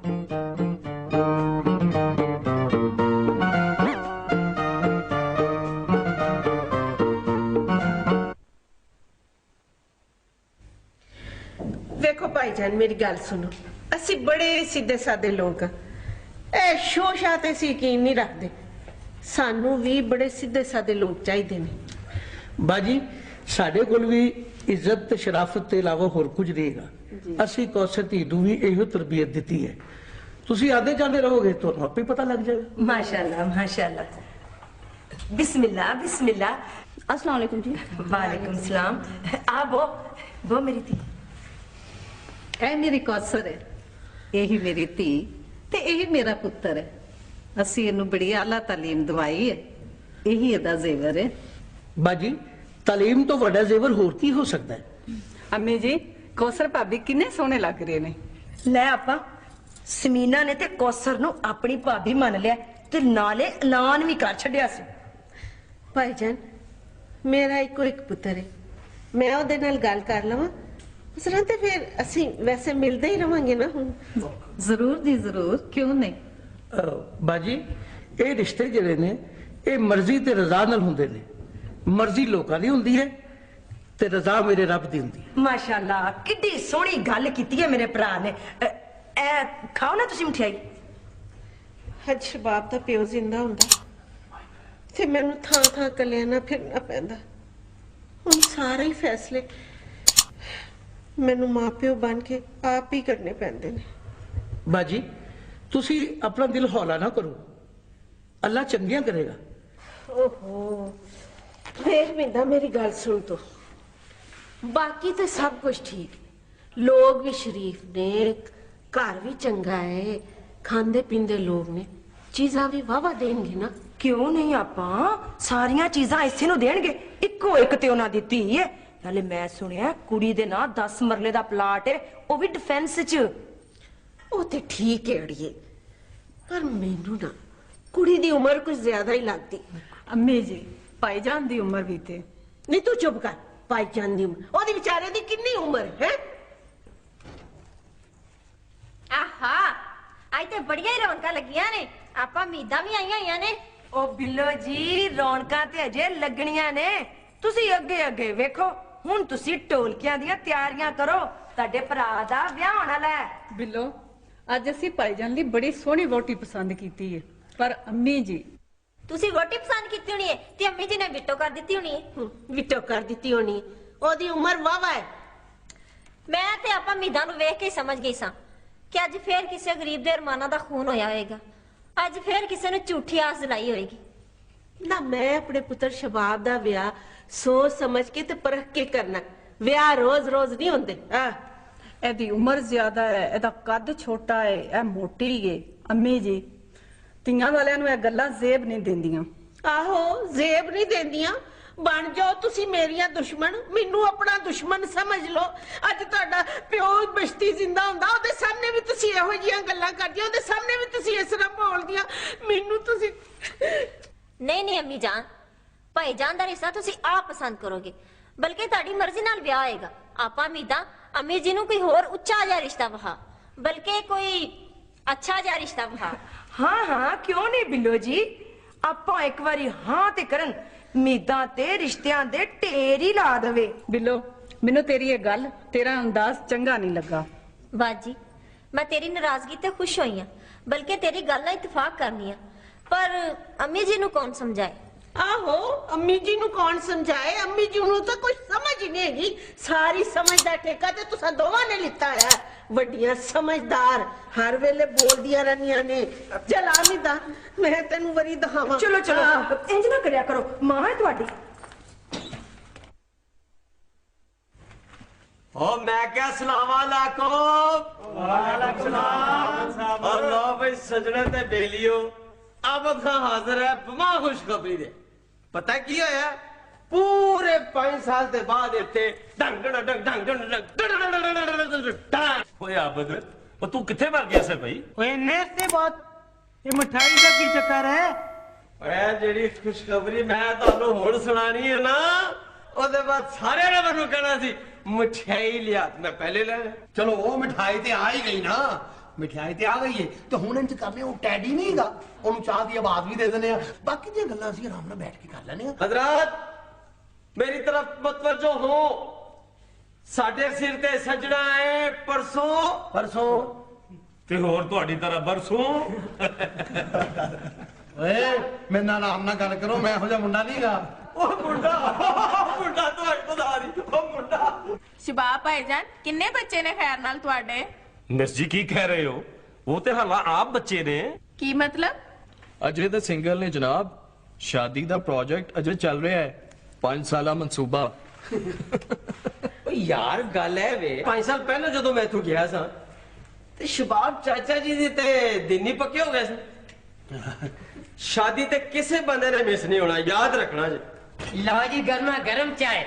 देखो भाईजान मेरी गल सुनो, असी बड़े सीधे सादे लोग हाँ, ए शो शाह ते असी यकीन नहीं रखते। सानू भी बड़े सीधे सादे लोग चाहिए ने। बाजी साडे कोल भी इज्जत ते शराफत के इलावा होर कुछ रहेगा। असी कौसर धी नूं भी इहो तरबियत दी है। तुसी आते जाते रहोगे तो आपे पता लग जाएगा। माशाल्लाह माशाल्लाह। बिस्मिल्लाह बिस्मिल्लाह। अस्सलाम वालेकुम जी। वालेकुम सलाम। आप वो मेरी थी। ए मेरी कौसर है, यही मेरी धी ते यही मेरा पुत्र है। असी इहनूं बड़ी आला तालीम दवाई है, यही इहदा जेवर है। बाजी तालीम तो वड्डा जेवर होर की हो सकता है। अम्मी जी कौसर भाभी किन्ने सोहने लग रहे ने। ले आपा समीना ने ते कौसर नूं अपनी भाभी मान लिया ते नाले ऐलान भी कर छड्डिया सी। भाईजान मेरा इको एक पुत्र है, मैं ओहदे नाल गल कर लवां उस तरह ते फिर असी वैसे मिलते ही रवांगे ना। हुण जरूर जी जरूर, क्यों नहीं। बाजी ये रिश्ते जिहड़े ने ये मर्जी ते रजा नाल हुंदे ने। मर्जी लोकां दी हुंदी है ते रजा मेरे रब दी हुंदी है। माशाल्लाह किड्डी सोहनी गल कीती है मेरे भरा ने। ए खाओ ना तुसी मठियाई। हज शबाब दा प्यो जिंदा हुंदा ते मैनू थां थां कलियां ना फिरना पैंदा। हुण सारे ही फैसले मैनू मां प्यो बन के आप ही करने पैंदे ने। बाजी तुसी अपना दिल हौला ना करो, अल्लाह चंगियां करेगा। ओहो फिर मिंदा मेरी गल सुन तो, बाकी तो सब कुछ ठीक, लोग भी शरीफ ने, घर भी चंगा है, खांदे पींदे लोग ने, चीजा भी वावा देंगे ना। क्यों नहीं आपा सारियां चीजां इसे नु देणगे। इको एक ते उन्हां दी धी है। नाले मैं सुनिया कुड़ी दे ना 10 मरले दा प्लाट है, वो भी डिफेंस च। वो ते ठीक है अड़िए, पर मैनू ना कुड़ी दी उम्र कुछ ज्यादा ही लगती। अम्मी जी भाईजान दी उम्र भी थे। नहीं तू चुप कर, भाईजान दी उम्र ओदी बेचारे दी कितनी उम्र है। आहा आज ते बढ़िया ही रौनक लगियां ने, आपा मीदा भी आईयां होईयां ने। ओ बिल्लो जी रौनकां ते अजे लगणियां ने, तुसी अगे अगे वेखो। हुण तुसी ढोलकियां दियां तैयारियां करो, तुहाडे भरा दा ब्याह होण वाला है। बिल्लो अज असी भाईजान ली बड़ी सोहनी वोटी पसंद कीती है, पर अम्मी जी तुसी रोटी पसंद कीती होनी है ते अम्मी जी ने विटो कर दित्ती होनी है। विटो कर दित्ती होनी है, ओदी उम्र वावा है। मैं ते आपा मीदा नूं वेख के ही समझ गई सां कि अज फिर किसी गरीब दे अरमानां दा खून होया होएगा, अज फिर किसी ने झूठी आस दिलाई होएगी। ना मैं अपने पुत्र शबाब दा ब्याह सोच समझ के ते परख के करना, ब्याह रोज रोज नहीं होंदे। एदी उम्र ज्यादा है, एदा कद छोटा है, ए मोटी है। अम्मी जी तियां वालियां नूं ए गल्लां जेब नहीं देंदियां। आहो जेब नहीं देंदियां, बन जाओ तुसी मेरियां दुश्मन, मैनू अपना दुश्मन समझ लो। अज तुहाडा प्यो बश्ती जिंदा हुंदा ओदे सामने भी तुसी इहो जिहियां गल्लां करदियां, ओदे सामने भी तुसी इस तरह बोलदियां। मैनू तुसी नहीं नहीं अम्मी जान, भाईजान दा रिश्ता तुसी आप पसंद करोगे, बल्कि तुहाडी मर्जी नाल ब्याह होएगा। आपा मीदा अम्मी जी नूं कोई होर उच्चा जिहा रिश्ता वहा, बल्कि कोई अच्छा जिहा रिश्ता वहा। हाँ हाँ क्यों नहीं बिल्लो जी, आपा एक बारी हाँ ते करन, मीदा ते रिश्तियां दे ढेर ही ला देवे। बिल्लो मैनू तेरी ये गल तेरा अंदाज चंगा नहीं लगा। बाजी मैं तेरी नाराजगी ते खुश होई हां, बल्कि तेरी गल नाल इत्तेफाक करनी है, पर अम्मी जी नूं कौन समझाए। आहो अम्मी जी नूं कौन समझाए, अम्मी जी नूं तो कुछ समझ ही नहीं हैगी। सारी समझ दा ठेका ते तुसां दोवां ने लित्ता है। वड्डियां समझदार हर वेले बोलदियां रहनियां ने। चल आमिदा मैं तेनू वरी दखावां। चलो चलो इंज ना करया करो, मां है तुहाडी। ओ मैं क्या सलाम अलैकुम। वालेकुम सलाम। और लो भाई सजने ते बेलियो, अब खां हाजिर है बमा खुशखबरी दे। पता की होया, पूरे 5 साल के बाद इत्थे ढंग ढंग ढंग ढंग ढंग ओए आबद ओ तू किथे मर गया से भाई। ओए नेस ते बात ये मिठाई का की चक्कर है। ओए जेड़ी खुशखबरी मैं तानू हुण सुनानी है ना, ओदे बाद सारे ने मैनू कहना सी मिठाई लिया, मैं पहले ले। चलो वो मिठाई ते आ ही गई ना, ਮਠਿਆਈ ਤੇ ਆ ਗਈ ਏ ਤੇ ਹੁਣ ਇੰਜ ਕਰਨੇ ਉਹ ਟੈਡੀ ਨਹੀਂ ਹੈਗਾ ਉਹਨੂੰ ਚਾਹ ਦੀ ਆਵਾਜ਼ ਵੀ ਦੇ ਦਿੰਦੇ ਆ ਬਾਕੀ ਦੀਆਂ ਗੱਲਾਂ ਅਸੀਂ ਆਰਾਮ ਨਾਲ ਬੈਠ ਕੇ ਕਰ ਲੈਣੇ ਆ हजरत मेरी तरफ मतवज्जो हो साडे सिर ते सजना है परसों ਤੇ ਹੋਰ ਤੁਹਾਡੀ ਤਰ੍ਹਾਂ ਬਰਸੋਂ ਓਏ ਮੇਰੇ ਨਾਲ ਆਰਾਮ ਨਾਲ ਗੱਲ ਕਰੋ ਮੈਂ ਇਹੋ ਜਿਹਾ ਮੁੰਡਾ ਨਹੀਂਗਾ ओ मुंडा तो बता दी ओ मुंडा ਸ਼ਬਾਬ ਭਾਈਜਾਨ ਕਿੰਨੇ ਬੱਚੇ ਨੇ ਖੈਰ ਨਾਲ ਤੁਹਾਡੇ ਮਿਸ ਜੀ ਕੀ ਕਹਿ ਰਹੇ ਹੋ ਉਹ ਤੇ ਹਾਲਾ ਆਪ ਬੱਚੇ ਨੇ ਕੀ ਮਤਲਬ ਅਜੇ ਤਾਂ ਸਿੰਗਲ ਨੇ ਜਨਾਬ ਸ਼ਾਦੀ ਦਾ ਪ੍ਰੋਜੈਕਟ ਅਜੇ ਚੱਲ ਰਿਹਾ ਹੈ 5 ਸਾਲਾ ਮਨਸੂਬਾ ओ यार गल है वे 5 साल पहले जो मैं इथों गया सा ते शबाब चाचा जी दे ते दिन ही पक्के हो गए सन शादी ते किसे बंदे ने मिस नहीं होना याद रखना जी लो जी गर्मा गर्म चाय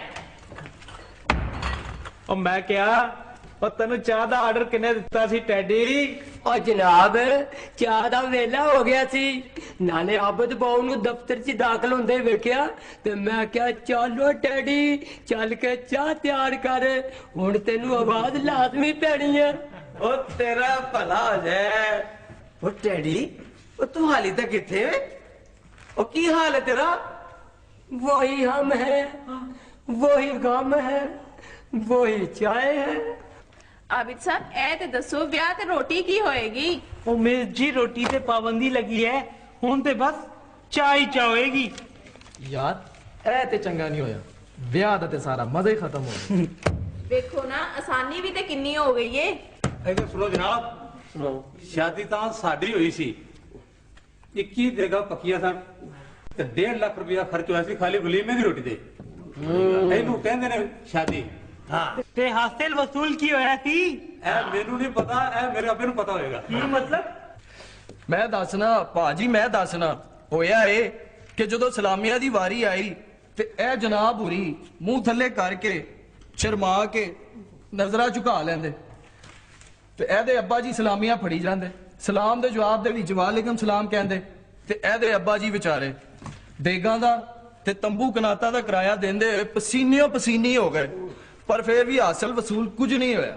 ਉਹ ਮੈਂ ਕਿਹਾ ਉਹ ਤੈਨੂੰ ਚਾਹ ਦਾ ਆਰਡਰ ਕਿੰਨੇ ਦਿੱਤਾ ਸੀ ਟੈਡੀ ਉਹ ਜਨਾਬ ਚਾਹ ਦਾ ਵੇਲਾ ਹੋ ਗਿਆ ਸੀ ਨਾਲੇ ਆਬਦ ਬਾਉ ਨੂੰ ਦਫ਼ਤਰ 'ਚ ਦਾਖਲ ਹੁੰਦੇ ਵੇਖਿਆ ਤੇ ਮੈਂ ਕਿਹਾ ਚਲੋ ਟੈਡੀ ਚੱਲ ਕੇ ਚਾਹ ਤਿਆਰ ਕਰ ਹੁਣ ਤੈਨੂੰ ਆਵਾਜ਼ ਲਾਜ਼ਮੀ ਪੈਣੀ ਹੈ ओ तेरा भला हो जाए ओ टैडी ओ तू हाली तक किथे है ओ की हाल है तेरा वही हम है वही गम है वही चाय है ਆਬਿਦ ਸਾਹਿਬ ਇਹ ਤੇ ਦੱਸੋ ਵਿਆਹ ਤੇ ਰੋਟੀ ਕੀ ਹੋਏਗੀ ਉਹ ਮਿਸ ਜੀ ਰੋਟੀ ਤੇ ਪਾਬੰਦੀ ਲੱਗੀ ਹੈ ਹੁਣ ਤੇ ਬਸ ਚਾਹ ਹੀ ਚਾਹ ਹੋਏਗੀ ਯਾਰ ਇਹ ਤੇ ਚੰਗਾ ਨਹੀਂ ਹੋਇਆ ਵਿਆਹ ਦਾ ਤੇ ਸਾਰਾ ਮਜ਼ਾ ਹੀ ਖਤਮ ਹੋ ਗਿਆ ਵੇਖੋ ਨਾ ਆਸਾਨੀ ਵੀ ਤੇ ਕਿੰਨੀ ਹੋ ਗਈ ਏ ਇਹਦੇ ਸੁਣੋ ਜਨਾਬ ਸੁਣੋ ਸ਼ਾਦੀ ਤਾਂ ਸਾਡੀ ਹੋਈ ਸੀ 21 ਜਗ੍ਹਾ ਪੱਕੀਆਂ ਸਨ ਤੇ 1.5 ਲੱਖ ਰੁਪਇਆ ਖਰਚ ਹੋਇਆ ਸੀ ਖਾਲੀ ਵਲੀਮੇ ਦੀ ਰੋਟੀ ਤੇ ਇਹਨੂੰ ਕਹਿੰਦੇ ਨੇ ਸ਼ਾਦੀ ਹਾਂ ਤੇ ਹਾਸਲ ਵਸੂਲ ਕੀ ਹੋਇਆ ਸੀ ਇਹ ਮੈਨੂੰ ਨਹੀਂ ਪਤਾ ਇਹ ਮੇਰੇ ਅੱਬੇ ਨੂੰ ਪਤਾ ਹੋਏਗਾ ਕੀ ਮਤਲਬ ਮੈਂ ਦੱਸਣਾ ਭਾਜੀ ਮੈਂ ਦੱਸਣਾ ਹੋਇਆ ਏ ਕਿ ਜਦੋਂ ਸਲਾਮੀਆਂ ਦੀ ਵਾਰੀ ਆਈ ਤੇ ਇਹ ਜਨਾਬ ਹੁਰੀ ਮੂੰਹ ਥੱਲੇ ਕਰਕੇ ਸ਼ਰਮਾ ਕੇ ਨਜ਼ਰਾਂ ਝੁਕਾ ਲੈਂਦੇ ਤੇ ਇਹਦੇ ਅੱਬਾ ਜੀ ਸਲਾਮੀਆਂ ਫੜੀ ਜਾਂਦੇ ਸਲਾਮ ਦੇ ਜਵਾਬ ਦੇ ਵਿੱਚ ਵਾਲੇਕਮ ਸਲਾਮ ਕਹਿੰਦੇ ਤੇ ਇਹਦੇ ਅੱਬਾ ਜੀ ਵਿਚਾਰੇ ਦੇਗਾਂ ਦਾ ਤੇ ਤੰਬੂ ਕਨਾਤਾ ਦਾ ਕਿਰਾਇਆ ਦਿੰਦੇ ਹੋਏ ਪਸੀਨਿਓ ਪਸੀਨੀ ਹੋ ਗਏ ਪਰ ਫਿਰ ਵੀ ਹਾਸਲ ਵਸੂਲ ਕੁਝ ਨਹੀਂ ਹੋਇਆ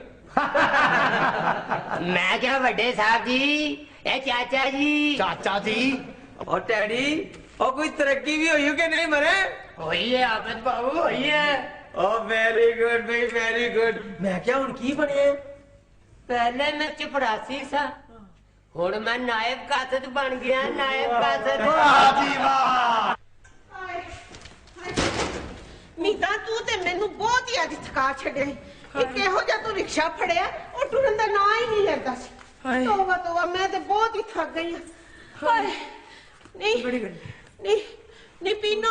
ਮੈਂ ਕਿਹਾ ਵੱਡੇ ਸਾਹਿਬ ਜੀ ਇਹ ਚਾਚਾ ਜੀ और टैडी और कोई तरक्की भी हुई हो कि नहीं मरे होई है आबद बाबू होई है ओ वेरी गुड भाई वेरी गुड मैं क्या हुन की बने पहले मैं चपड़ासी सा हुण मैं नायब कासद बन गया नायब कासद ਜੀ ਵਾਹ ਮੀਤਾ ਤੂੰ ਤੇ ਮੈਨੂੰ ਬਹੁਤ ਹੀ ਅੱਜ ਥਕਾ ਛੱਡਿਆ ਇਹ ਕਿਹੋ ਜਿਹਾ ਤੂੰ ਰਿਕਸ਼ਾ ਫੜਿਆ ਉਹ ਟੁਰਨ ਦਾ ਨਾਂ ਹੀ ਨਹੀਂ ਲੈਂਦਾ ਸੀ ਤੋਬਾ ਤੋਬਾ ਮੈਂ ਤੇ ਬਹੁਤ ਹੀ ਥੱਕ ਗਈ ਹਾਂ ਹਾਏ ਨਹੀਂ ਪੀਨੋ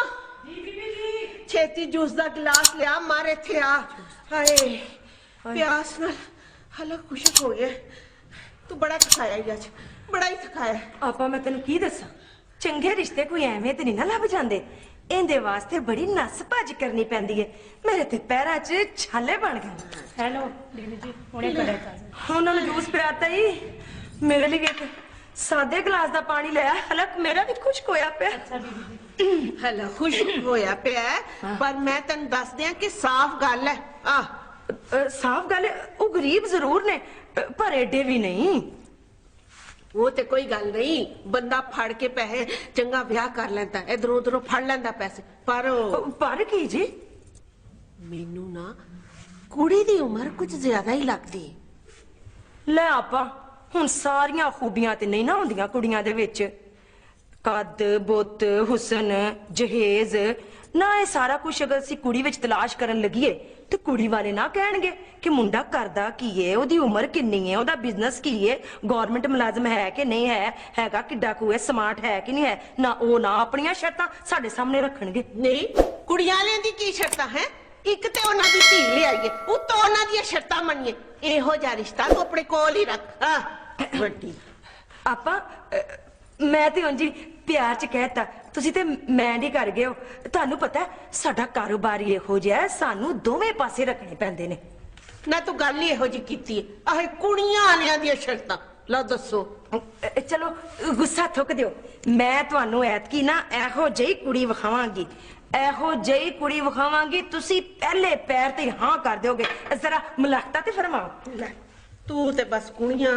ਛੇਤੀ ਜੂਸ ਦਾ ਗਲਾਸ ਲਿਆ ਮਾਰ ਇੱਥੇ ਆ ਹਾਏ ਪਿਆਸ ਨਾਲ ਹਲਕ ਖੁਸ਼ਕ ਹੋ ਗਿਆ ਤੂੰ ਬੜਾ ਥਕਾਇਆ ਈ ਅੱਜ ਬੜਾ ਹੀ ਥਕਾਇਆ ਆਪਾਂ ਮੈਂ ਤੈਨੂੰ ਕੀ ਦੱਸਾਂ ਚੰਗੇ ਰਿਸ਼ਤੇ ਕੋਈ ਐਵੇਂ ਤੇ ਨਹੀਂ ਨਾ ਲੱਭ ਜਾਂਦੇ ਇਹਦੇ ਵਾਸਤੇ ਬੜੀ ਨਸ ਭੱਜ ਕਰਨੀ ਪੈਂਦੀ ਏ ਮੇਰੇ ਤੇ ਪੈਰਾਂ 'ਚ ਛਾਲੇ ਬਣ ਗਏ ਹੈਲੋ ਦੀਦੀ ਜੀ ਹੁਣੇ ਕਰਿਆ ਤਾਂ ਉਹਨਾਂ ਨੂੰ ਜੂਸ ਪਿਆਤਾ ਹੀ ਮੇਰੇ ਲਈ ਇੱਕ ਸਾਦੇ ਗਲਾਸ ਦਾ ਪਾਣੀ ਲਿਆ ਹਲਕ ਮੇਰਾ ਵੀ ਖੁਸ਼ਕ ਹੋਇਆ ਪਿਆ ਅੱਛਾ ਦੀਦੀ ਹਲਾ ਖੁਸ਼ਕ ਹੋਇਆ ਪਿਆ ਪਰ ਮੈਂ ਤੈਨੂੰ ਦੱਸ ਦਿਆਂ ਕਿ ਸਾਫ਼ ਗੱਲ ਹੈ ਸਾਫ਼ ਗੱਲ ਉਹ ਗਰੀਬ ਜ਼ਰੂਰ ਨੇ ਪਰ ਐਡੇ ਵੀ ਨਹੀਂ ਉਹ ਤੇ ਕੋਈ ਗੱਲ ਨਹੀਂ ਬੰਦਾ ਫੜ ਕੇ ਪੈਸੇ ਚੰਗਾ ਵਿਆਹ ਕਰ ਲੈਂਦਾ ਇਧਰੋਂ ਉਧਰੋਂ ਫੜ ਲੈਂਦਾ ਪੈਸੇ ਪਰ ਕੀ ਜੀ ਮੈਨੂੰ ਨਾ ਕੁੜੀ ਦੀ ਉਮਰ ਕੁਝ ਜ਼ਿਆਦਾ ਹੀ ਲੱਗਦੀ ਲੈ ਆਪਾ ਹੁਣ ਸਾਰੀਆਂ ਖੂਬੀਆਂ ਤੇ ਨਹੀਂ ਨਾ ਹੁੰਦੀਆਂ ਕੁੜੀਆਂ ਦੇ ਵਿੱਚ ਕੱਦ ਬੁੱਤ ਹੁਸਨ ਜਹੇਜ਼ ਨਾ ਇਹ ਸਾਰਾ ਕੁਝ ਅਗਰ ਅਸੀਂ ਕੁੜੀ ਵਿੱਚ ਤਲਾਸ਼ ਕਰਨ ਲੱਗੀਏ ਤੇ ਕੁੜੀ ਵਾਲੇ ਨਾ ਕਹਿਣਗੇ ਕਿ ਮੁੰਡਾ ਕਰਦਾ ਕੀ ਏ ਉਹਦੀ ਉਮਰ ਕਿੰਨੀ ਏ ਉਹਦਾ ਬਿਜ਼ਨਸ ਕੀ ਏ ਗਵਰਨਮੈਂਟ ਮੁਲਾਜ਼ਮ ਹੈ ਕਿ ਨਹੀਂ ਹੈਗਾ ਕਿੱਡਾ ਕੁ ਏ ਸਮਾਰਟ ਹੈ ਕਿ ਨਹੀਂ ਹੈ ਨਾ ਉਹ ਨਾ ਆਪਣੀਆਂ ਸ਼ਰਤਾਂ ਸਾਡੇ ਸਾਹਮਣੇ ਰੱਖਣਗੇ ਨਹੀਂ ਕੁੜੀਆਂ ਵਾਲਿਆਂ ਦੀ ਕੀ ਸ਼ਰਤਾਂ ਹੈ ਇੱਕ ਤੇ ਉਹਨਾਂ ਦੀ ਧੀ ਲਿਆਈਏ ਉੱਤੋਂ ਉਹਨਾਂ ਦੀਆਂ ਸ਼ਰਤਾਂ ਮੰਨੀਏ ਇਹੋ ਜਿਹਾ ਰਿਸ਼ਤਾ ਤੂੰ ਆਪਣੇ ਕੋਲ ਹੀ ਰੱਖ ਵੱਡੀ ਆਪਾਂ ਮੈਂ ਤੇ ਉਂਝ ਪਿਆਰ ਚ ਕਹਿਤਾ ਤੁਸੀਂ ਤੇ ਮੈਂ ਨਹੀਂ ਕਰ ਗਏ ਹੋ ਤੁਹਾਨੂੰ ਪਤਾ ਸਾਡਾ ਕਾਰੋਬਾਰ ਹੀ ਇਹੋ ਜਿਹਾ ਸਾਨੂੰ ਦੋਵੇਂ ਪਾਸੇ ਰੱਖਣੇ ਪੈਂਦੇ ਨੇ ਨਾ ਤੂੰ ਗੱਲ ਹੀ ਇਹੋ ਜਿਹੀ ਕੀਤੀ ਆਹ ਕੁੜੀਆਂ ਵਾਲਿਆਂ ਦੀਆਂ ਸ਼ਰਤਾਂ ਲਓ ਦੱਸੋ ਚਲੋ ਗੁੱਸਾ ਥੁੱਕ ਦਿਓ ਮੈਂ ਤੁਹਾਨੂੰ ਐਤਕੀ ਨਾ ਇਹੋ ਜਿਹੀ ਕੁੜੀ ਵਿਖਾਵਾਂਗੀ ਇਹੋ ਜਿਹੀ ਕੁੜੀ ਵਿਖਾਵਾਂਗੀ ਤੁਸੀਂ ਪਹਿਲੇ ਪੈਰ ਤੇ ਹਾਂ ਕਰ ਦਿਓਗੇ ਜ਼ਰਾ ਮੁਲਾਕਾਤ ਤੇ ਫਰਮਾਓ ਤੂੰ ਤੇ ਬਸ ਕੁੜੀਆਂ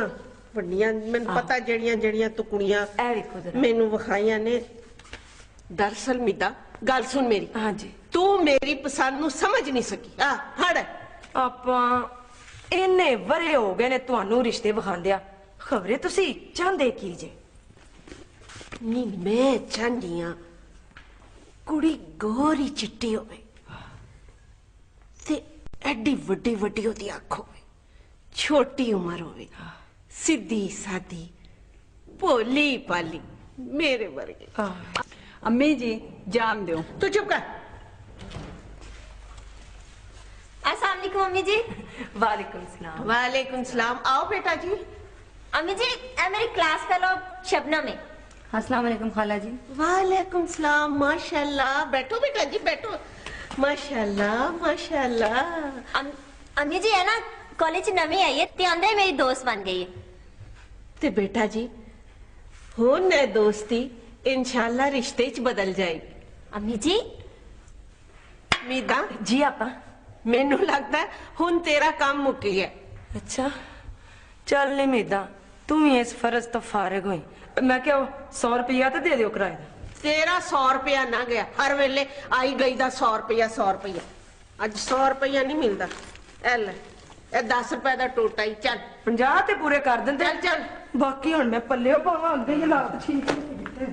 ਵੱਡੀਆਂ ਮੈਨੂੰ ਪਤਾ ਜਿਹੜੀਆਂ ਤੂੰ ਕੁੜੀਆਂ ਇਹ ਵੇਖੋ ਜਰਾ ਮੈਨੂੰ ਵਿਖਾਈਆਂ ਨੇ। ਦਰਅਸਲ ਮਿੱਦਾ ਗੱਲ ਸੁਣ ਮੇਰੀ। ਹਾਂਜੀ। ਤੂੰ ਮੇਰੀ ਪਸੰਦ ਨੂੰ ਸਮਝ ਨਹੀਂ ਸਕੀ। ਆ ਹੜ ਆਪਾਂ ਇੰਨੇ ਵਰੇ ਹੋ ਗਏ ਨੇ ਤੁਹਾਨੂੰ ਰਿਸ਼ਤੇ ਵਿਖਾਉਂਦਿਆ, ਖਬਰੇ ਤੁਸੀਂ ਚਾਹੁੰਦੇ ਕੀ ਜੇ? ਨੀ ਮੈਂ ਚਾਹੁੰਦੀ ਆ ਕੁੜੀ ਗੋਰੀ ਚਿੱਟੀ ਹੋਵੇ ਤੇ ਐਡੀ ਵੱਡੀ ਵੱਡੀ ਉਹਦੀ ਅੱਖ ਹੋਵੇ, ਛੋਟੀ ਉਮਰ ਹੋਵੇ, ਸਿੱਧੀ ਸਾਦੀ ਭੋਲੀ ਭਾਲੀ ਮੇਰੇ ਵਰਗੀ। अम्मी जी जान दो। तू चुप कर। अस्सलाम वालेकुम अम्मी जी। वालेकुम सलाम। वालेकुम सलाम। आओ बेटा जी। अम्मी जी ए मेरी क्लास फेलो शबनम है। अस्सलाम वालेकुम खाला जी। वालेकुम सलाम। माशाल्लाह। बैठो बेटा जी बैठो। माशाल्लाह माशाल्लाह। अम्मी जी है ना कॉलेज नवी आई है ते आंदे मेरी दोस्त बन गई है। ते बेटा जी हुन ने दोस्ती इंशाल्लाह रिश्ते च बदल जाएगी। अम्मी जी मीदा जी आपा मैनू लगता है हुन तेरा काम मुक गया। अच्छा चल नहीं मीदा तू ही इस फर्ज तो फारिग हुई। मैं क्या 100 रुपया तो दे दियो किराए दा। तेरा 100 रुपया ना गया, हर वेले आई गई दा 100 रुपया 100 रुपया। अज 100 रुपया नहीं मिलता। ए ले ए 10 रुपए दा टोटा ही। चल 50 ते पूरे कर दिंदे। चल चल बाकी हुन मैं पल्ले पावां अंदे हालात ठीक नहीं।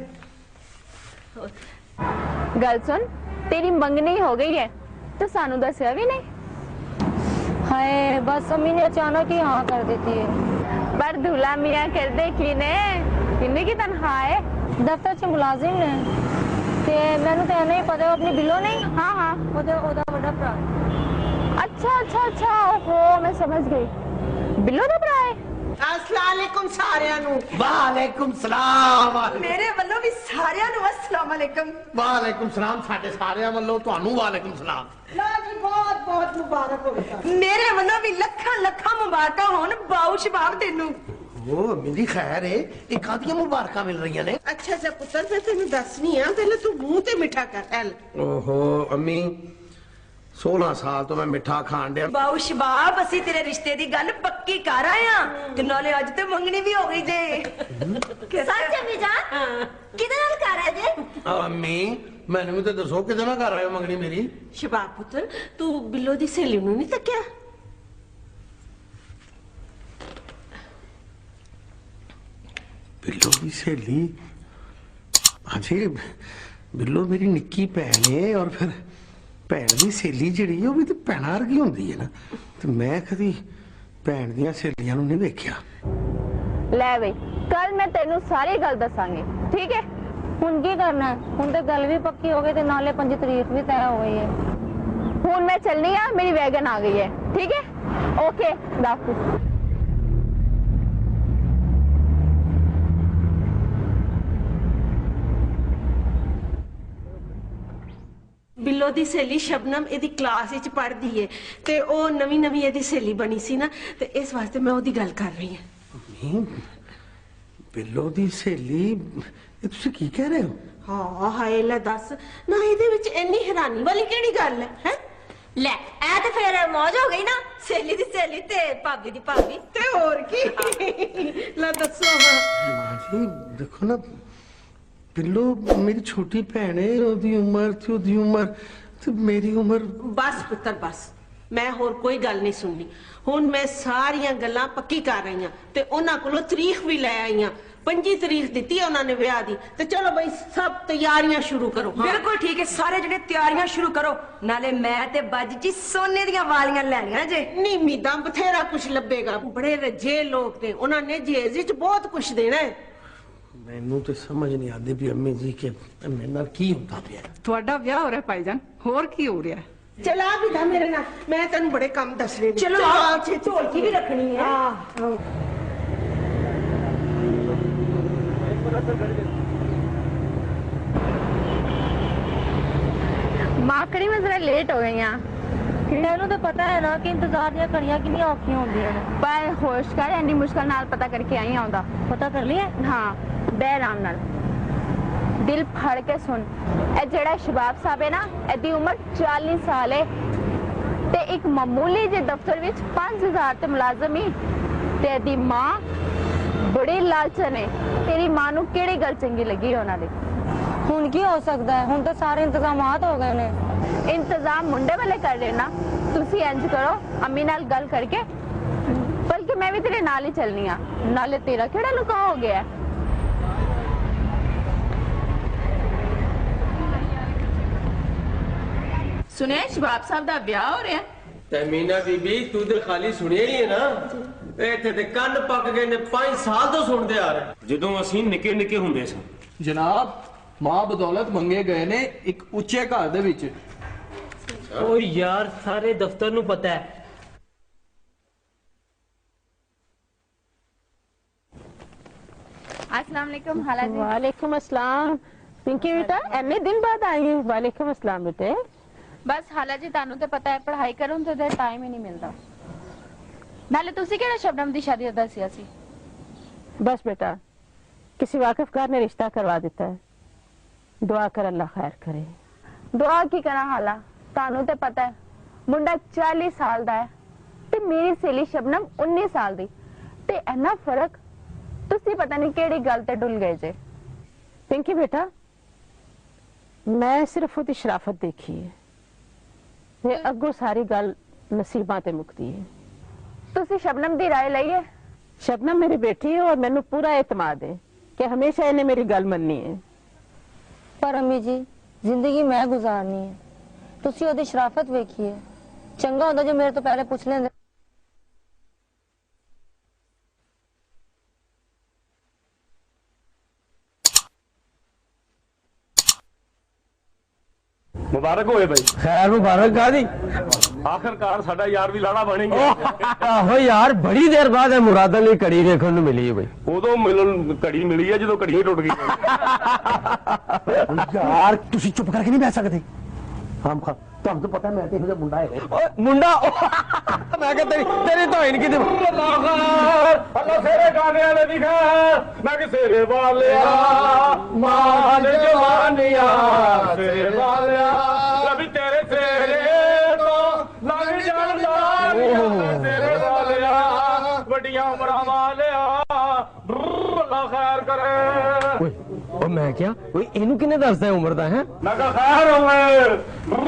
गल सुन तेरी मंगनी हो गई है तो सानू दसिया भी नहीं। हाय बस अम्मी ने अचानक ही हाँ कर देती है। पर दूल्हा मियां कर दे किन्ने की तनख्वाह है? दफ्तर च मुलाजिम ने ते मैनू तो नहीं पता अपनी बिलो नहीं। हाँ हाँ ओदा बड़ा भरा। अच्छा ओहो मैं समझ गई बिल्लो दा भरा है। अस्सलाम वालेकुम सारियां नू। वालेकुम सलाम। मेरे ਵੱਲੋਂ ਵੀ ਸਾਰਿਆਂ ਨੂੰ अस्सलाम वालेकुम। वालेकुम सलाम। ਸਾਡੇ ਸਾਰਿਆਂ ਵੱਲੋਂ ਤੁਹਾਨੂੰ वालेकुम सलाम। ला जी बहुत बहुत मुबारक हो। ਮੇਰੇ ਵੱਲੋਂ ਵੀ ਲੱਖਾਂ ਲੱਖਾਂ ਮੁਬਾਰਕਾਂ ਹੋਣ ਬਾਉ ਸ਼ਬਾਬ ਤੈਨੂੰ। ओ मेरी खैर है ये कादियां मुबारकां मिल रही ने। अच्छा पुत्र मैं तेन दसनी आ पहले तू मुंह ते मिठा कर। एल ओहो अम्मी 16 साल तो मैं मिठा खान दिया। ਬਾਉ ਸ਼ਬਾਬ ਅਸੀਂ ਤੇਰੇ ਰਿਸ਼ਤੇ ਦੀ ਗੱਲ ਪੱਕੀ ਕਰ ਆਏ ਆ ਤੇ ਨਾਲੇ ਅੱਜ ਤੇ ਮੰਗਣੀ ਵੀ ਹੋ ਗਈ ਜੇ। सच अम्मी जान किदे नाल कर रहे जे? अम्मी मैंने भी तो दसो किदे ना कर रहे हो मंगनी मेरी? शबाब पुत्र तू बिल्लो दी सहेली नू नहीं तक्या? बिल्लो की सहेली? अजे बिल्लो मेरी निक्की भैन है और फिर भैन की सहेली जिहड़ी है वो भी तो भैन वर्गी हुंदी है ना। तो मैं कदी भैन दी सहेलियां नू नहीं वेख्या। ले बई कल मैं तेनू सारी गल दसांगी ठीक है? हुन की करना है? हुन तो गल भी पक्की हो गई ते नाले 5 तारीख भी तय हो गई है। हुन मैं चलनी आ मेरी वैगन आ गई है ठीक है? ओके दाफिज। बिल्लो दी सहेली शबनम एदी क्लास विच पढ़दी है ते ओ नवी एदी सहेली बनी सी ना ते इस वास्ते मैं ओदी गल कर रही हां। बिल्लो दी सहेली ये तुसी की कह रहे हो? हां हाय ले दस ना एदे विच इन्नी हैरानी वाली केड़ी गल है? हैं ले ए ते फिर मौज हो गई ना सहेली दी सहेली ते भाभी दी भाभी ते और की। ला दसो मां जी देखो ना बिल्लो मेरी छोटी भैन है ओदी उम्र ते ओदी उम्र ते मेरी उम्र। बस पुत्र बस मैं होर कोई गल नहीं सुननी। हुन मैं सारियां गल्लां पक्की कर रही हां ते उन्हां कोलों तारीख भी ले आई हां। 25 तारीख दी है उन्होंने ब्याह दी ते चलो भाई सब तैयारियां शुरू करो। हाँ। बिल्कुल ठीक है सारे जने तैयारियां शुरू करो नाले मैं ते बाजी जी सोने दियां वालियां लैनियां जे। नहीं मीदा बथेरा कुछ लभेगा बड़े रजे लोग ने उन्होंने जेज विच बहुत कुछ देना है। मैनू तो समझ नहीं आती भी अम्मी जी के मेरे नाल की होंदा पिया। ਤੁਹਾਡਾ ਵਿਆਹ ਹੋ ਰਿਹਾ ਭਾਈਜਾਨ ਹੋਰ ਕੀ ਹੋ ਰਿਹਾ? चला भी था मेरे नाल मैं तेन बड़े काम दसने। चलो ढोलकी भी रखनी है। माकड़ी में जरा लेट हो गई हां। तेनू तो पता है ना कि इंतजार दी कड़ियां कितनी औखियां होंदियां ने। पर होश कर एनी मुश्किल नाल पता करके आई आउंदा। पता कर लिया? हाँ बे आराम नाल दिल फड़ के सुन। ए जेड़ा शबाब साहब है ना एदी उम्र 40 साल है ते एक मामूली जे दफ्तर विच 5000 ते मुलाजम ही ते एदी मां ਲਾਲਚ ਨੇ ਤੇਰੀ ਮਾਂ ਨੂੰ ਕਿਹੜੀ ਗੱਲ ਚੰਗੀ ਲੱਗੀ ਉਹਨਾਂ ਦੀ? ਹੁਣ ਕੀ ਹੋ ਸਕਦਾ ਹੈ? ਹੁਣ ਤਾਂ ਸਾਰੇ ਇੰਤਜ਼ਾਮਾਤ ਹੋ ਗਏ ਨੇ। ਇੰਤਜ਼ਾਮ ਮੁੰਡੇ ਵਾਲੇ ਕਰ ਰਹੇ ਨਾ। ਤੁਸੀਂ ਇੰਜ ਕਰੋ, ਅੰਮੀ ਨਾਲ ਗੱਲ ਕਰਕੇ, ਬਲਕਿ ਮੈਂ ਵੀ ਤੇਰੇ ਨਾਲ ਹੀ ਚੱਲਨੀ ਆ। ਨਾਲੇ ਤੇਰਾ ਕਿਹੜਾ ਲੁਕਾ ਹੋ ਗਿਆ? ਸੁਣਿਆ ਸ਼ਬਾਬ ਸਾਹਿਬ ਦਾ ਵਿਆਹ ਹੋ ਰਿਹਾ? ਤੇ ਮੀਨਾ ਬੀਬੀ ਤੂੰ ਤੇ ਖਾਲੀ ਸੁਣਿਆ ਹੀ ਹੈ ਨਾ, ਇੱਥੇ ਤੇ ਕੰਨ ਪੱਕ ਗਏ ਨੇ, 5 ਸਾਲ ਤੋਂ ਸੁਣਦੇ ਆ ਰਹੇ। ਜਦੋਂ ਅਸੀਂ ਨਿੱਕੇ ਨਿੱਕੇ ਹੁੰਦੇ ਸਾਂ ਜਨਾਬ, ਮਾਂ ਬਦੌਲਤ ਮੰਗੇ ਗਏ ਨੇ ਇੱਕ ਉੱਚੇ ਘਰ ਦੇ ਵਿੱਚ। ਓ ਯਾਰ ਸਾਰੇ ਦਫ਼ਤਰ ਨੂੰ ਪਤਾ ਹੈ। अस्सलाम वालेकुम हाला जी। वालेकुम अस्सलाम। पिंकी बेटा एने दिन बाद आई है। वालेकुम अस्सलाम बेटे। बस हाला जी तानू ते पता है पढ़ाई करूं ते टाइम ही नहीं मिलता। नाले तुसी केड़ा शबनम दी शादी दा दसिया सी? बस बेटा किसी वाकिफकार ने रिश्ता करवा देता है। दुआ कर अल्लाह खैर करे। दुआ की करा हाला, तानू ते पता है मुंडा 40 साल दा है ते मेरी सहेली शबनम 19 साल दी ते इन्ना फर्क। तुसी पता नहीं केड़ी गल ते डुल गए जे। पिंकी बेटा मैं सिर्फ उसकी शराफत देखी है ते अगों सारी गल नसीबां ते मुकती है। तुसी शबनम दी राय लई है? शबनम मेरी बेटी है और मैनू पूरा एतमाद है कि हमेशा इन्हें मेरी गल मननी है। पर अम्मी जी जिंदगी मैं गुजारनी है, तुसी ओदी शराफत वेखी है। चंगा होंदा जो मेरे तो पहले पूछ लेंदे। ਮੁਬਾਰਕ ਹੋਏ ਬਾਈ। खैर मुबारक गादी। ਆਖਰਕਾਰ ਸਾਡਾ ਯਾਰ ਵੀ ਲਾੜਾ ਬਣ ਗਿਆ। आहो यार बड़ी देर बाद है मुरादा ली कड़ी देखने ਨੂੰ मिली है भाई। ਉਦੋਂ ਮਿਲਣ ਘੜੀ ਮਿਲੀ ਹੈ ਜਦੋਂ ਘੜੀ ਟੁੱਟ ਗਈ। यार तुसी चुप करके नहीं बैठ सकते। हम खा ਤੁਹਾਨੂੰ ਤਾਂ ਪਤਾ ਮੈਂ ਤੇ ਇਹੋ ਜਿਹਾ ਮੁੰਡਾ ਹੈ। ਓਏ ਮੁੰਡਾ ਮੈਂ ਕਿ ਤੇਰੀ ਤੋਇਨ ਕੀ ਅੱਲਾ ਸੇਰੇ ਗਾਣੇ ਵਾਲੇ ਦੀ ਖੈਰ, ਮੈਂ ਕਿ ਸੇਰੇ ਵਾਲਿਆ ਮਾਨ ਜਵਾਨੀਆਂ ਸੇਰੇ ਵਾਲਿਆ ਰਵੀ ਤੇਰੇ ਸੇਰੇ ਤੋਂ ਲੰਘ ਜਾਂਦਾ ਸੇਰੇ ਵਾਲਿਆ ਵੱਡੀਆਂ ਉਮਰਾਂ ਵਾਲਿਆ ਅੱਲਾ ਖੈਰ ਕਰੇ। ਓਏ ਉਹ ਮੈਂ ਕਿਹਾ ਓਏ ਇਹਨੂੰ ਕਿਹਨੇ ਦੱਸਦਾ ਉਮਰ ਦਾ ਹੈ? ਮੈਂ ਕਿਹਾ ਖੈਰ ਉਮਰ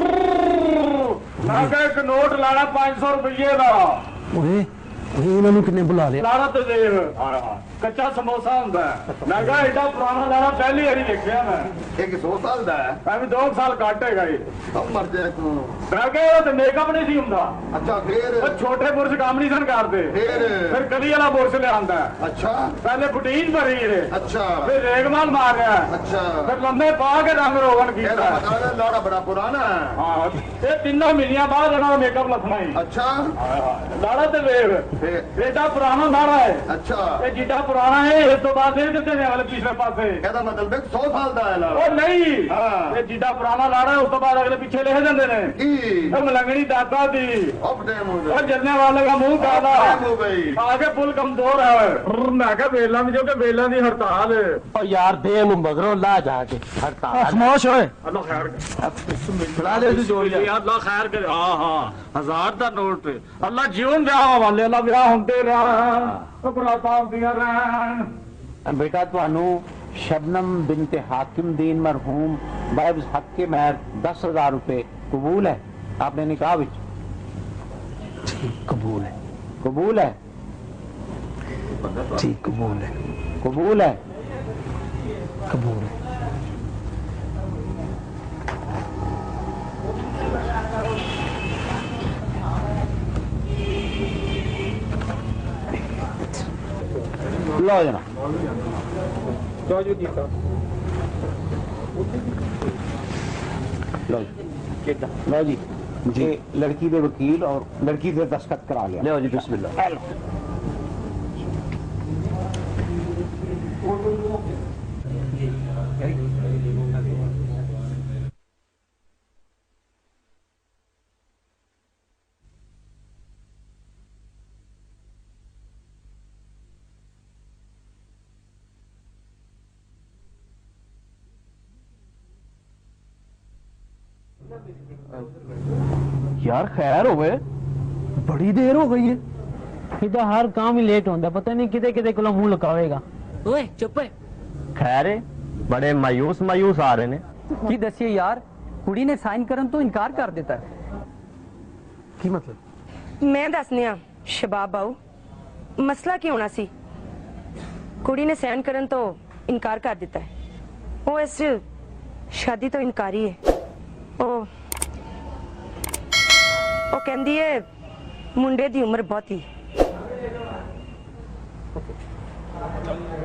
ਮੈਂ ਕਿਹਾ ਇੱਕ ਨੋਟ ਲਾਣਾ 500 ਰੁਪਏ ਦਾ। ਓਏ ਇਹਨਾਂ ਨੂੰ ਕਿੰਨੇ ਬੁਲਾ ਲਿਆ? ਲਾਣਾ ਤੇ ਦੇਖ ਕੱਚਾ ਸਮੋਸਾ ਹੁੰਦਾ। ਮੈਂ ਕਿਹਾ ਐਡਾ ਪੁਰਾਣਾ ਲਾਣਾ ਪਹਿਲੀ ਵਾਰੀ ਦੇਖਿਆ ਮੈਂ। ਇਹ 100 ਸਾਲ ਦਾ ਹੈ। ਐਵੇਂ 2 ਸਾਲ ਘੱਟ ਹੈਗਾ ਇਹ। ਸਭ ਮਰ ਜਾਏ ਤੂੰ। ਮੈਂ ਕਿਹਾ ਉਹ ਤੇ ਮੇਕਅਪ ਨਹੀਂ ਸੀ ਹੁੰਦਾ। ਅੱਛਾ ਫੇਰ ਉਹ ਛੋਟੇ ਬੁਰਸ਼ ਕੰਮ ਨਹੀਂ ਸਨ ਕਰਦੇ। ਫਿਰ ਕਲੀ ਵਾਲਾ ਬੁਰਸ਼ ਲਿਆਂਦਾ। ਅੱਛਾ ਪਹਿਲੇ ਬੁਟੀਨ ਭਰੀ ਇਹ। ਅੱਛਾ ਫਿਰ ਰੇਗਮਾਲ ਮਾਰਿਆ। ਅੱਛਾ ਫਿਰ ਲੰਮੇ ਪਾ ਕੇ ਰੰਗ ਰੋਗਨ ਕੀਤਾ। ਇਹਦਾ ਮਤਲਬ ਲਾੜਾ ਬੜਾ ਪੁਰਾਣਾ ਹੈ। ਹਾਂ ਇਹ 3 ਮਹੀਨਿਆਂ ਬਾਅਦ ਇਹਨਾਂ ਦਾ ਮੇਕਅਪ ਲੱਥਣਾ ਹੀ। ਅੱਛਾ ਲਾੜਾ ਤੇ ਵੇਖ ਐਡਾ ਪੁਰਾਣਾ ਲਾੜਾ ਹੈ। ਅੱਛਾ ਇਹ ਜਿੱਡਾ ਪੁਰਾਣਾ ਹੈ ਇਸ ਤੋਂ ਬਾਅਦ ਇਹ ਕਿੱਥੇ ਨੇ ਵਾਲੇ ਪਿਛਲੇ ਪਾਸੇ। ਇਹਦਾ ਮਤਲਬ 100 ਸਾਲ ਦਾ ਹੈ ਲਾੜਾ। ਉਹ ਨਹੀਂ ਇਹ ਜਿੱਡਾ ਪੁਰਾਣਾ ਲਾੜਾ ਹੈ ਉਸ ਤੋਂ ਬਾਅਦ ਅਗਲੇ ਪਿੱਛੇ ਲਿਖ ਜਾਂਦੇ ਨੇ ਕੀ ਇਹ ਮਲੰਗਣੀ ਦਾਦਾ ਦੀ ਆਪਣੇ ਮੂੰਹ ਉਹ ਜਰਨੇ ਵਾਲੇ ਦਾ ਮੂੰਹ ਕਾਲਾ ਬਈ ਆਗੇ ਪੁੱਲ ਕਮਜ਼ੋਰ ਹੈ। ਮੈਂ ਕਿਹਾ ਵੇਲਾਂ ਦੀ ਜੋ ਕਿ ਵੇਲਾਂ ਦੀ ਹੜਤਾਲ ਹੈ। ਓ ਯਾਰ ਦੇ ਨੂੰ ਮਗਰੋਂ ਲਾ ਜਾ ਕੇ ਹੜਤਾਲ ਖਾਮੋਸ਼ ਹੋਏ। ਅੱਲਾ ਖੈਰ ਕਰੇ। ਬਣਾ ਲੈ ਤੂੰ ਜੋੜ ਲਿਆ ਅੱਲਾ ਖੈਰ ਕਰੇ। ਹਾਂ 1000 ਦਾ ਨੋਟ ਅੱਲਾ ਜੀਵਨ ਵਿਆਹ ਵਾਲੇ ਅੱਲਾ ਵਿਆਹ ਹੁੰਦੇ ਰਹਿਣ ਬਰਾਤਾਂ ਹੁੰਦੀਆਂ ਰਹਿਣ। बेटा ਤੁਹਾਨੂੰ शबनम बिनत हाकिम दीन मरहूम बाइब्स हक के महर 10,000 रुपए कबूल है आपने निकाह विच? ठीक कबूल है। कबूल है? ठीक कबूल है। कबूल है? कबूल है। लो जना लो जी जी लड़की दे वकील और लड़की दे दस्तखत करा लिया। लो जी बिस्मिल्लाह। यार खैर होवे बड़ी देर हो गई है। ਇਹਦਾ ਹਰ ਕੰਮ ਹੀ ਲੇਟ ਹੁੰਦਾ, ਪਤਾ ਨਹੀਂ ਕਿਤੇ ਕਿਤੇ ਕੋਲੋਂ ਮੂੰਹ ਲੁਕਾਵੇਗਾ। ਓਏ ਚੁੱਪ ਓਏ खैर बड़े मायूस मायूस आ रहे ने ਕੀ ਦੱਸੀਏ ਯਾਰ ਕੁੜੀ ਨੇ ਸਾਈਨ ਕਰਨ ਤੋਂ ਇਨਕਾਰ ਕਰ ਦਿੱਤਾ। ਕੀ ਮਤਲਬ? ਮੈਂ ਦੱਸਨੀ ਆ ਸ਼ਬਾਬ ਬਾਊ, ਮਸਲਾ ਕੀ ਹੋਣਾ ਸੀ? ਕੁੜੀ ਨੇ ਸਾਈਨ ਕਰਨ ਤੋਂ ਇਨਕਾਰ ਕਰ ਦਿੱਤਾ ਹੈ। ਉਹ ਇਸ ਸ਼ਾਦੀ ਤੋਂ ਇਨਕਾਰੀ ਹੈ। ਉਹ ਕਹਿੰਦੀ ਹੈ ਮੁੰਡੇ ਦੀ ਉਮਰ ਬਹੁਤੀ।